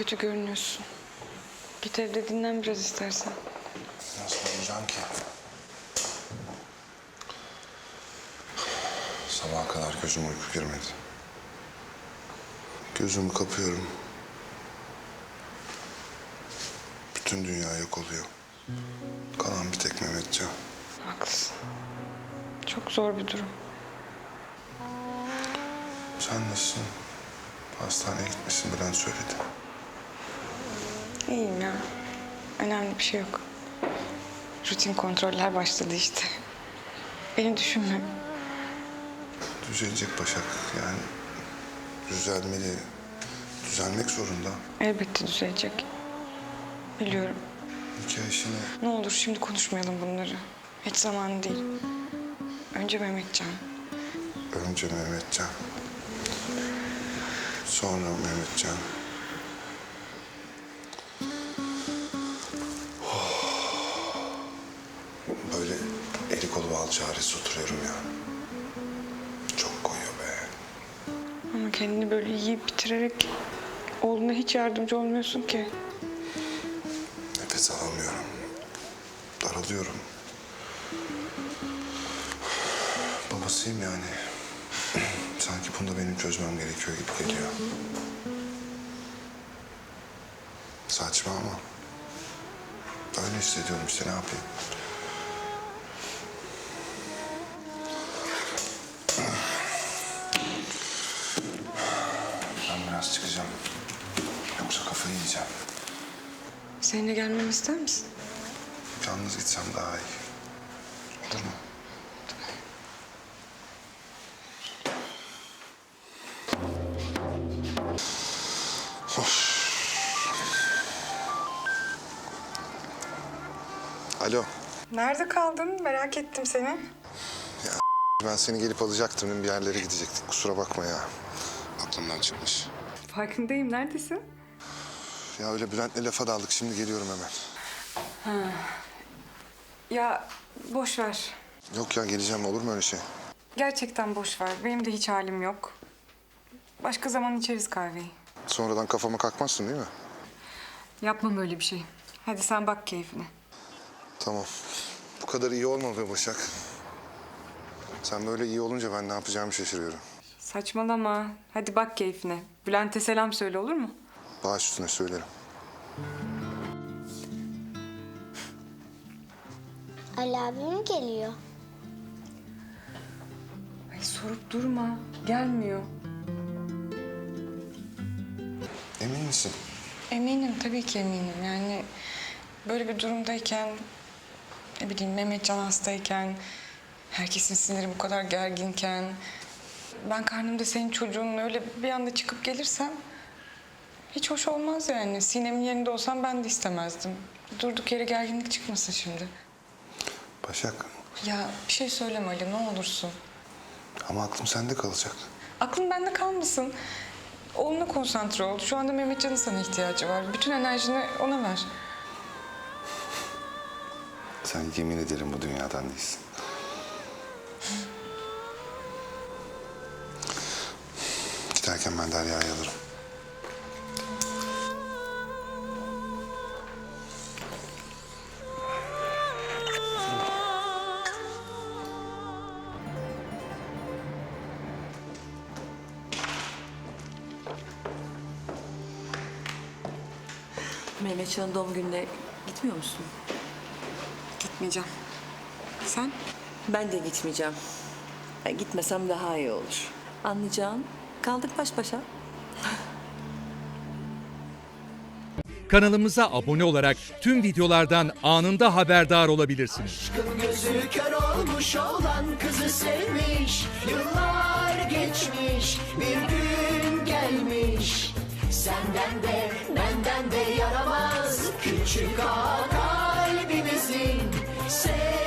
kötü görünüyorsun. Git evde dinlen biraz istersen. Nasıl uyuyacağım ki? Sabaha kadar gözüme uyku girmedi. Gözümü kapıyorum. Bütün dünya yok oluyor. Kalan bir tek Mehmetcan. Haklısın. Çok zor bir durum. Sen nasılsın? Hastaneye gitmişsin, Bülent söyledi. İyiyim ya. Önemli bir şey yok. Rutin kontroller başladı işte. Beni düşünme. Düzelecek Başak. Yani düzelmeli. Düzelmek zorunda. Elbette düzelecek. Biliyorum. Nikah işini... Ne olur şimdi konuşmayalım bunları. Hiç zamanı değil. Önce Mehmetcan. Önce Mehmetcan. Sonra Mehmetcan. Böyle eli kolu bağlı çaresiz oturuyorum ya. Çok koyuyor be. Ama kendini böyle yiyip bitirerek oğluna hiç yardımcı olmuyorsun ki. Nefes alamıyorum. Daralıyorum. Babasıyım yani. Sanki bunu da benim çözmem gerekiyor gibi geliyor. Saçma ama. Öyle hissediyorum işte, ne yapayım? Ben biraz çıkacağım. Yoksa kafayı yiyeceğim. Seninle gelmemi ister misin? Yalnız gitsem daha iyi. Olur mu? Of. Alo. Nerede kaldın? Merak ettim seni. Ben seni gelip alacaktım. Bir yerlere gidecektik. Kusura bakma ya. Aklımdan çıkmış. Farkındayım. Neredesin? Ya öyle Bülent'le lafa daldık. Şimdi geliyorum hemen. Ya boş ver. Yok ya, geleceğim. Olur mu öyle şey? Gerçekten boş ver. Benim de hiç halim yok. Başka zaman içeriz kahveyi. Sonradan kafama kalkmazsın değil mi? Yapmam öyle bir şey. Hadi sen bak keyfine. Tamam. Bu kadar iyi olma be Başak. Sen böyle iyi olunca ben ne yapacağımı şaşırıyorum. Saçmalama. Hadi bak keyfine. Bülent'e selam söyle, olur mu? Baş üstüne söylerim. Ali abim geliyor. Ay sorup durma. Gelmiyor. Emin misin? Eminim, tabii ki eminim. Yani böyle bir durumdayken, ne bileyim Mehmetcan hastayken, herkesin siniri bu kadar gerginken, ben karnımda senin çocuğun öyle bir anda çıkıp gelirsem hiç hoş olmaz yani. Sinem'in yerinde olsam ben de istemezdim. Durduk yere gerginlik çıkmasın şimdi. Başak. Ya bir şey söyleme Ali, ne olursun. Ama aklım sende kalacak. Aklın bende kalmasın. Oğluna konsantre ol. Şu anda Mehmetcan'ın sana ihtiyacı var. Bütün enerjini ona ver. Sen yemin ederim bu dünyadan değilsin. Giderken ben Derya'yı alırım. Mehmetcan'ın doğum gününe gitmiyor musun? Gitmeyeceğim. Sen? Ben de gitmeyeceğim. Gitmesem daha iyi olur. Anlayacağın, kaldık baş başa. Kanalımıza abone olarak tüm videolardan anında haberdar olabilirsiniz. Aşkın gözü kör olmuş olan kızı sevmiş. Yıllar geçmiş, bir gün gelmiş. Senden de benden de yaramaz küçük ağa kalbimizin.